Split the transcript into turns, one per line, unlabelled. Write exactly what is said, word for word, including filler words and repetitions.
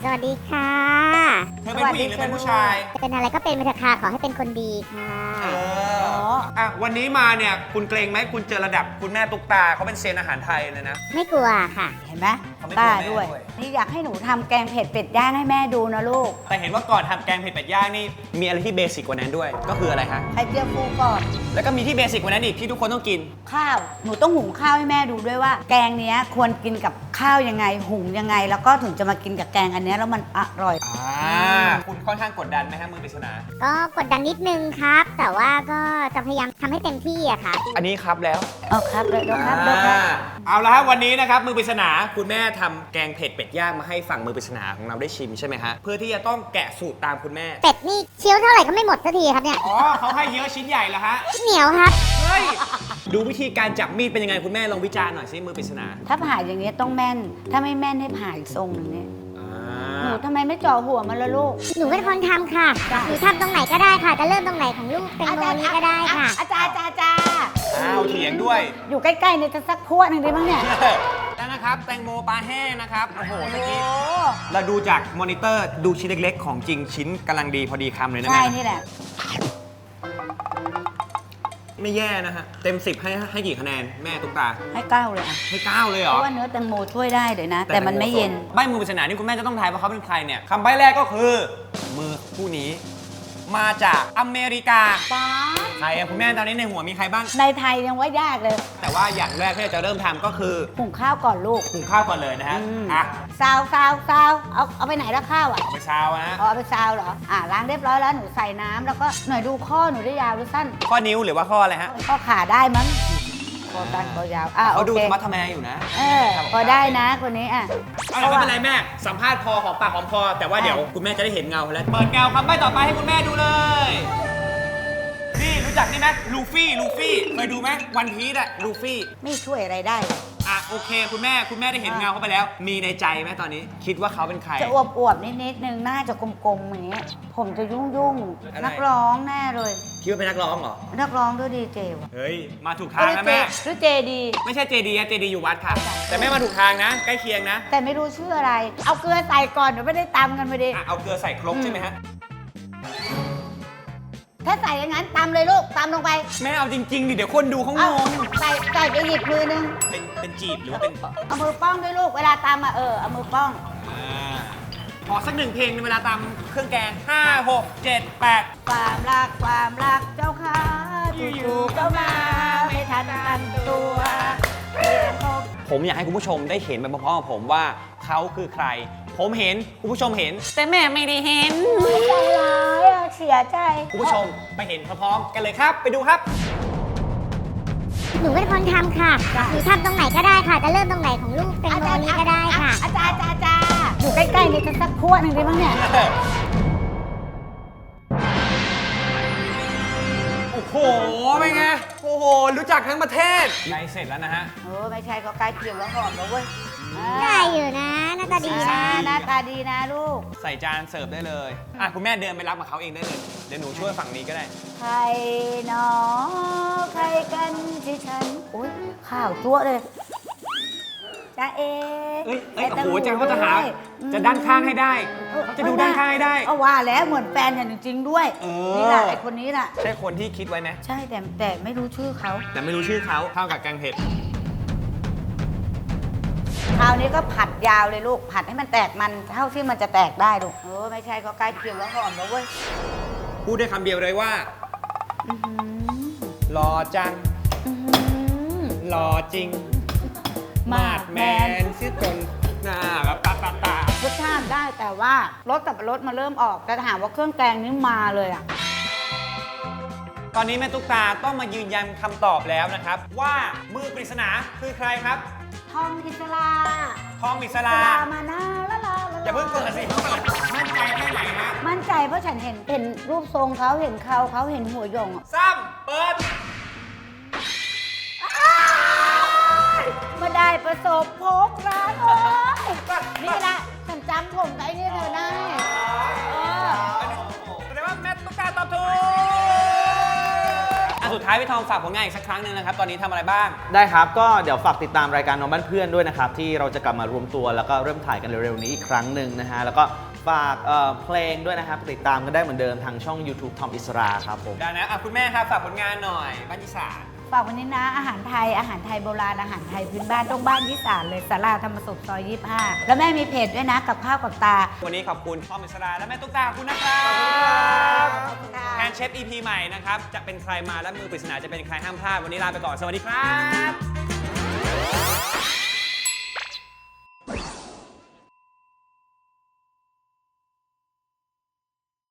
วัสดีค่ะ
เธอเป็นผู้หญิงหรือเป็นผู้ชาย
เป็นอะไรก็เป็นไปเถอะค่ะขอให้เป็นคนดีค่ะ
เอออ่ะวันนี้มาเนี่ยคุณเกรงไหมคุณเจอระดับคุณแม่ตุ๊กตาเขาเป็นเซียนอาหารไทยเลยนะ
ไม่กลัวค่ะ
เห็นไหมกล้าด้วยนี่อยากให้หนูทำแกงเผ็ดเป็ดย่างให้แม่ดูนะลูก
แต่เห็นว่าก่อนทำแกงเผ็ดเป็ดย่างนี่มีอะไรที่เบสิกกว่านั้นด้วยก็คืออะไรฮะ
ไข่เจียวฟูก่อน
แล้วก็มีที่เบสิกกว่านั้นอีกที่ทุกคนต้องกิน
ข้าวหนูต้องหุงข้าวให้แม่ดูด้วยว่าแกงเนี้ยควรกินกับข้าวยังไงหุงยังไงแล้วก็ถึงจะมากินกับแกงอันนี้แล้วมันอร่อย
อ่าคุณค่อนข้างกดดันไหมฮะมือปริศนา
ก็กดดันนิดนึงครับแต่ว่าก็จะพยายามทำให้เต็มที่อะค่ะ
อันนี้ครับแล้ว
เอาครับเลยครับเลยครับ
เอาละครับวันนี้นะครับมือปริศนาคุณแม่ทำแกงเผ็ดเป็ดย่างมาให้ฝั่งมือปริศนาของเราได้ชิมใช่ไหมฮะเพื่อที่จะต้องแกะสูตรตามคุณแม่
เป็ดนี่เคี้ยวเท่าไหร่ก็ไม่หมดสักทีครับเนี่ย
อ๋อเขาให้เยอะชิ้นใหญ่เหรอฮะ
เหนียวครับ
เฮ้ยดูวิธีการจับมีดเป็นยังไงคุณแม่ลองวิจารณ์หน่อยสิมือปริศนา
ถ้าผ่าอย่างนี้ต้องแม่นถ้าไม่แม่นให้ผ่าอีกทรงหนึ่งเนี่ยหนูทำไมไม่จ่อหัวมันละลูก
หนูเป็นคนทำค่ะหนูทำตรงไหนก็ได้ค่ะจะเริ่มตรงไหนของลูกเป็นโมนี้ก็ได้ค่ะ
อาจารย์อาจารย์อาจารย์
อ้าวเถียงด้วย
อยู่ใกล้ๆเนี่ยจะสักพวดหนึ่งดีมั้งเนี่ย
แล้วนะครับแตงโมปลาแห้งนะครับโอ้โหเมื่อกี้เราดูจากมอนิเตอร์ดูชิ้นเล็กๆของจริงชิ้นกำลังดีพอดีคำเลยนะแม่
ใช่นี่แหละ
ไม่แย่นะฮะเต็มสิบให้ให้กี่คะแนนแม่ตุ๊กตา
ให้เก้าเลยอ่ะ
ให้เก้าเลยเหรอ
เพราะว่าเนื้อแตงโมช่วยได้เลยนะแต่มันไม่เย็น
ใบมือปริศนานี่คุณแม่จะต้องทายว่าเขาเป็นใครเนี่ยคำใบ้แรกก็คือมือผู้นี้มาจากอเมริกา
ป้า
ใครอะคุณแม่ตอนนี้ในหัวมีใครบ้าง
ในไทยยังว่ายากเลย
แต่ว่าอย่างแรกที่จะเริ่มทำก็คือ
หุงข้าวก่อนลูก
หุงข้าวก่อนเลยนะฮะ
อ่ะซาวซาวซาวเอาเอาไปไหนแล้วข้าวอ่ะ
เอาไปซาวนะ
เอาไปซาวเหรออ่ะล้างเรียบร้อยแล้วหนูใส่น้ำแล้วก็หน่อยดูข้อหนูได้ยาวหรือสั้น
ข้อนิ้วหรือว่าข้ออะไรฮะ
ข้อขาได้มั้งข้อสั้นข้อยาวอ่ะ
เขาดูธรรมะทแมอยู่นะ
เออพอได้นะคนนี้อ่ะ
ไม่เป็นไรแม่สัมภาษณ์พอหอมปากหอมคอแต่ว่าเดี๋ยวคุณแม่จะได้เห็นเงาแล้วเปิดเงาคำใบ้ต่อไปให้คุณแม่ดูเลยนี่รู้จักนี่ไหมลูฟี่ลูฟี่เคยดูไหมวันพีซอะลูฟี่
ไม่ช่วยอะไรได้
อ่ะโอเคคุณแม่คุณแม่ได้เห็นเงาเขาไปแล้วมีในใจไหมตอนนี้คิดว่าเขาเป็นใคร
จะอวบอวบนิดนิดนึงหน้าจะกลมๆอย่างเงี้ยผมจะยุ่งยุ่งนักร้องแน่เลย
คิดว่าเป็นนักร้องเหรอ
นักร้องด้วยดีเจวะ
เฮ้ยมาถูกทางนะแม่
หรือเจดี
ไม่ใช่เจดีอะเจดีอยู่วัดค่ะแต่แม่มาถูกทางนะใกล้เคียงนะ
แต่ไม่รู้ชื่ออะไรเอาเกลือใส่ก่อนเดี๋ยวไม่ได้ตำกันไปดิ
เอาเกลือใส่ครกใช่ไหมฮะ
ถ้าใส่อย่างนั้นตำเลยลูกตำลงไป
แม่เอาจริงๆดิเดี๋ยวคนดูเขางง
ใส่ใส่ไปหยิบมือนึง
เป็นเป็นจีบหรือว่าเป็น
เอามือป้องด้วยลูกเวลาตำอ่ะเออเอามือป้อง
ขอสักหนึ่งเพลงในเวลาตำเครื่องแกงห้าหกเจ็ดแปด
ความรักความรักเจ้าค่ะจู่ๆก็มาไม่ทันตั้งตัว
ผมอยากให้คุณผู้ชมได้เห็นไปพร้อมๆกับผมว่าเขาคือใครผมเห็นคุณผู้ชมเห็นแต่แม่ไม่ได้เห็น
ใจร้ายเสียใจ
คุณผู้ชมไปเห็นพร้อมๆกันเลยครับไปดูครับ
หนูเป็นคนทำค่ะหนูทำตรงไหนก็ได้ค่ะจะเริ่มตรงไหนของลูกเป็นโมนี้ก็ได้ค่ะ
อาจารย์อาจารย์อาจารย์อยู่ใกล้ๆนี่จะสักพวดหนึ่งดีมั้งเนี่ย
โอ้โหเป็นไงโอ้โหรู้จักทั้งประเทศใกล้เสร็จแล้วนะฮะ
เออไม่ใช่ก็ใกล้เคียงแล้วหอมแล้วเว้ย
ได้อยู่นะหน้าตาดีนะ
หน้าตาดีนะลูก
ใส่จานเสิร์ฟได้เลยอ่ะคุณแม่เดินไปรับกับเขาเองได้เลยเดี๋ยวหนูช่วยฝั่งนี้ก็ได้
ใครหนอใครกันที่ฉันอุ้ยข้าวจั่วเลยจ้าเอ
เอ้ยเอ้ยโอ้โหจังเขาจะหาจะด้านข้างให้ได้เขาจะดูด้านข้างให้ได้
เอาว่าแล้วเหมือนแฟนอย่างจริงๆด้วยนี่แหละไอคนนี้แหละ
ใช่คนที่คิดไว้ไหม
ใช่แต่แต่ไม่รู้ชื่อเขา
แต่ไม่รู้ชื่อเขาเท่ากับแกงเผ็ด
คราวนี้ก็ผัดยาวเลยลูกผัดให้มันแตกมันเท่าที่มันจะแตกได้ลูกเออไม่ใช่ก็ใกล้เคียงแล้วหอมแล้วเว้ย
พูดได้คำเดียวเลยว่าหล่อจังหล่อจริงมาดแมนซิจนหน้าแบบตาตาตาร
สชาติได้แต่ว่ารสสับปะรดมาเริ่มออกแต่ถามว่าเครื่องแกงนี้มาเลยอ่ะ
ตอนนี้แม่ตุ๊กตาต้องมายืนยันคำตอบแล้วนะครับว่ามือปริศนาคือใครครับ
ทองอิสรา
ทองอิสรา
มานาละลา
อย่าเพิ่งเกิดสิมั่นใจแค่ไหนฮะ
มั่นใจเพราะฉันเห็นเห็นรูปทรงเขาเห็นเขาเขาเห็นหัวหยง
ซ้ำเปิด
มาได้ประสบพบรักนี่แหละฉันจำผมไอ้นี่เธอได้
แสดงว่าแม่ตุ๊กตาตอบถูกสุดท้ายพี่ทอมฝากผลงานอีกสักครั้งหนึ่งนะครับตอนนี้ทำอะไรบ้าง
ได้ครับก็เดี๋ยวฝากติดตามรายการน้องบ้านเพื่อนด้วยนะครับที่เราจะกลับมารวมตัวแล้วก็เริ่มถ่ายกันเร็วๆนี้อีกครั้งหนึ่งนะฮะแล้วก็ฝากเอ่อเพลงด้วยนะครับติดตามกันได้เหมือนเดิมทางช่อง YouTube ทอมอิสราครับผม
ได้นะอ่ะคุณแม่ครับฝากผลงานหน่อยบ้านอีสาน
ฝากวันนี้นะอาหารไทยอาหารไทยโบราณอาหารไทยพื้นบ้านต้องบ้านที่สานเลยสาราธรรมศพซอยยี่สิบห้าแล้วแม่มีเพจด้วยนะกับข้าวกับตา
วันนี้ขอบคุณทอมอิสราและแม่ตุ๊กตาขอบคุณนะครับ
ขอบคุณค่ะ
แอนเชฟ อี พี ใหม่นะครับจะเป็นใครมาและมือปริศนาจะเป็นใครห้ามพลาดวันนี้ลาไปก่อนสวัสดีครับ